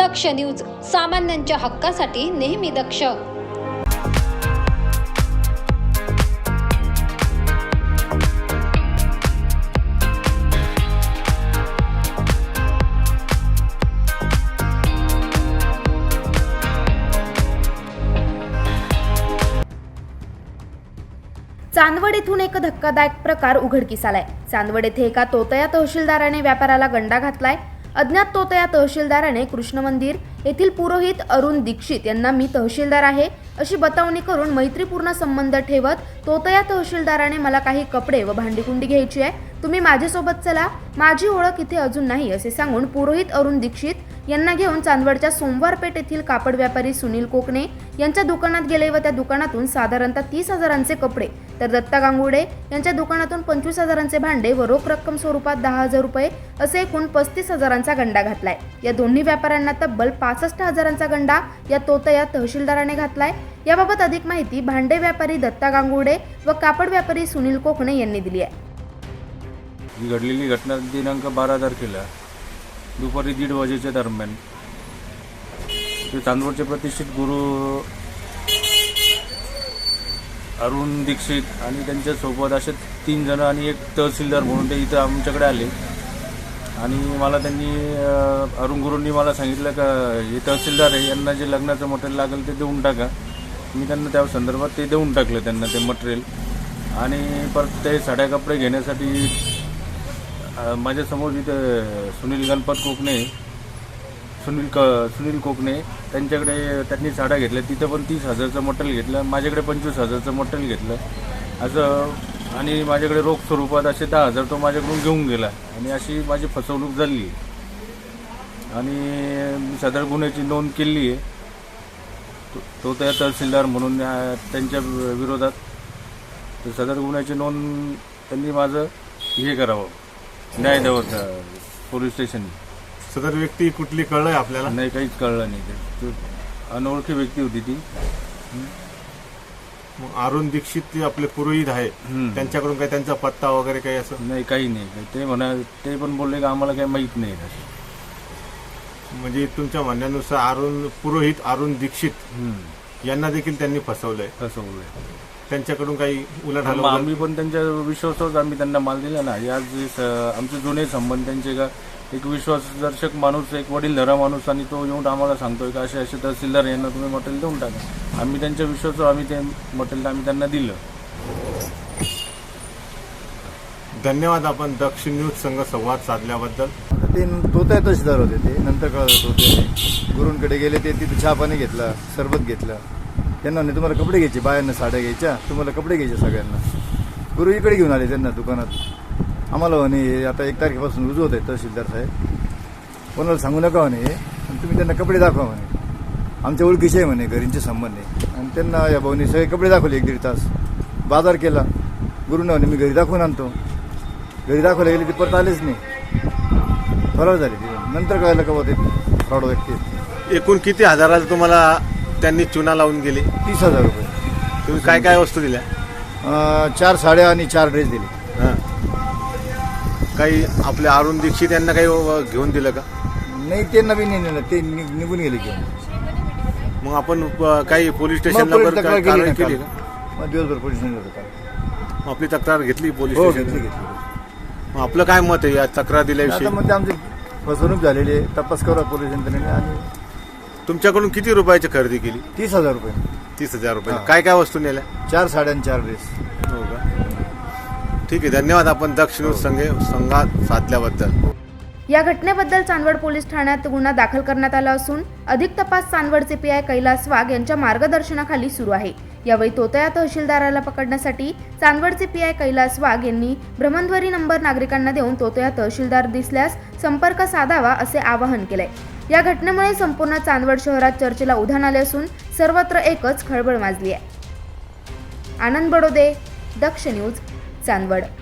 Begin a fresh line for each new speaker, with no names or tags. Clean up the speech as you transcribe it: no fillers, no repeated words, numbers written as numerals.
दक्ष news, सामान्यांच्या हक्कासाठी नेहमी दक्ष.
चांदवड येथून एक धक्कादायक प्रकार उघडकीस आलाय. चांदवड येथे एका तोतया तहसीलदाराने व्यापाराला गंडा घातलाय. अज्ञात तोतया तहसीलदाराने कृष्ण मंदिर येथील पुरोहित अरुण दीक्षित यांना मी तहसीलदार आहे अशी बतावणी करून मैत्रीपूर्ण संबंध ठेवत तोतया तहसीलदाराने मला काही कपडे व भांडीकुंडी घ्यायची आहे, तुम्ही माझ्यासोबत चला, माझी ओळख इथे अजून नाही असे सांगून पुरोहित अरुण दीक्षित यांना घेऊन चांदवडच्या सोमवारपेठ येथील कापड व्यापारी सुनील कोकणे यांच्या दुकानात गेले व त्या दुकानातून साधारणतः 30,000चे कपडे तर दत्ता गांगुर्डे यांच्या दुकानातून 25,000चे भांडे व रोख रक्कम स्वरूपात 10,000 रुपये असे एकूण 35,000चा गंडा घातलाय. या दोन्ही व्यापाऱ्यांना तब्बल 65,000चा गंडा या तोतया तहसीलदाराने घातलाय. याबाबत अधिक माहिती भांडे व्यापारी दत्ता गांगुर्डे व कापड व्यापारी सुनील कोकणे यांनी दिली आहे.
ही घडलेली घटना दिनांक 12 तारखेला दुपारी 1:30 वाजेच्या दरम्यान ते चांदवडचे प्रतिष्ठित गुरु अरुण दीक्षित आणि त्यांच्यासोबत असे 3 जण आणि एक तहसीलदार म्हणून ते इथं आमच्याकडे आले आणि मला त्यांनी अरुण गुरूंनी मला सांगितलं का हे तहसीलदार आहे, यांना जे लग्नाचं मटेरियल लागेल ते देऊन टाका. मी त्यांना त्या संदर्भात ते देऊन टाकलं त्यांना ते मटेरियल. आणि परत ते साड्या कपडे घेण्यासाठी माझ्यासमोर इथं सुनील कोकणे त्यांच्याकडे त्यांनी साड्या घेतल्या, तिथं पण 30,000चं मटेरियल घेतलं, माझ्याकडे 25,000चं मटेरियल घेतलं असं. आणि माझ्याकडे रोख स्वरूपात असे 10,000 तो माझ्याकडून घेऊन गेला आणि अशी माझी फसवणूक झाली. आणि सदर गुन्ह्याची नोंद केली आहे तो त्या तहसीलदार म्हणून त्यांच्या विरोधात. तर सदर गुन्ह्याची नोंद त्यांनी माझं हे करावं, न्याय द्यावं पोलीस स्टेशन.
सदर व्यक्ती कुठली कळलंय आपल्याला?
नाही, काहीच कळलं नाही. ते अनोळखी व्यक्ती होती ती.
अरुण दीक्षित ते आपले पुरोहित आहे, त्यांच्याकडून काही त्यांचा पत्ता वगैरे काही असं?
नाही, काही नाही. ते पण बोलले की आम्हाला काही माहीत नाही.
म्हणजे तुमच्या म्हणण्यानुसार पुरोहित अरुण दीक्षित यांना देखील त्यांनी फसवलंय. त्यांच्याकडून काही उलाढाल?
आम्ही पण त्यांच्या विश्वासावर आम्ही त्यांना माल दिला ना. आज आमचे जुने संबंध त्यांचे का एक विश्वासदर्शक माणूस, एक वडीलधारा माणूस, आणि तो येऊन आम्हाला सांगतोय की असे तहसीलदार यांना तुम्ही मटेरियल देऊन टाका. आम्ही त्यांच्या विश्वासावर आम्ही ते मटेरियल आम्ही त्यांना दिलं.
धन्यवाद आपण दक्ष न्यूज संघ संवाद साधल्याबद्दल.
ते तोतया तहसीलदार होते. ते नंतर कळत होते गुरूंकडे गेले, ते तिथे चहा पाणी घेतला, सरबत घेतलं. त्यांना नाही तुम्हाला कपडे घ्यायचे, बायांना साड्या घ्यायच्या, तुम्हाला कपडे घ्यायचे सगळ्यांना. गुरु इकडे घेऊन आले त्यांना दुकानात. आम्हाला म्हणे आता 1 तारखेपासून रुजू होत आहे तहसीलदार साहेब, कोणाला सांगू नका म्हणे, तुम्ही त्यांना कपडे दाखवा म्हणे, आमच्या ओळखीचे आहे म्हणे, घरींचे संबंध आहे. आणि त्यांना या भाऊनी सगळे कपडे दाखवले. 1-1.5 तास बाजार केला. गुरुने म्हणे मी घरी दाखवून आणतो. घरी दाखवायला गेले, ते परत आलेच नाही, फरार झाले. नंतर कळायला का होते फ्रॉड व्यक्ती.
एकूण किती हजाराला तुम्हाला त्यांनी चुना लावून गेले?
30,000 रुपये.
तुम्ही काय काय वस्तू दिल्या?
4 साड्या आणि 4 ड्रेस दिले.
काही आपल्या अरुण दीक्षित यांना काही घेऊन दिलं का?
नाही, ते नवीन नाही नेलं, ते निघून गेले घेऊन.
मग आपण काही पोलीस स्टेशनला
तक्रार
कारवाई केली
का?
का?
मग दिवसभर पोलीस स्टेशनला
आपली तक्रार घेतली पोलीस
हो,
स्टेशन?
घेतली.
मग आपलं काय मत आहे या तक्रार दिल्याविषयी?
आता मग आमची फसवणूक झालेली आहे, तपास करा पोलीस यंत्रणेने. आणि
तुमच्याकडून किती रुपयाची खरेदी केली?
30,000 रुपये.
30,000 रुपये. काय काय वस्तू नेल्या?
4 साड्या आणि 4 ड्रेस.
हो का? ठीक आहे, धन्यवाद आपण दक्ष न्यूज संवाद साधल्याबद्दल.
या घटनेबद्दल चांदवड पोलीस ठाण्यात गुन्हा दाखल करण्यात आला असून अधिक तपास चांदवडचे पीआय कैलास वाघ यांच्या मार्गदर्शनाखाली सुरू आहे. यावेळी तोतया तहसीलदाराला पकडण्यासाठी चांदवडचे पीआय कैलास वाघ यांनी भ्रमणध्वनी नंबर नागरिकांना देऊन तोतया तहसीलदार दिसल्यास संपर्क साधावा असे आवाहन केलंय. या घटनेमुळे संपूर्ण चांदवड शहरात चर्चेला उधाण आले असून सर्वत्र एकच खळबळ माजली आहे. आनंद बडोदे, दक्ष न्यूज, चांदवड.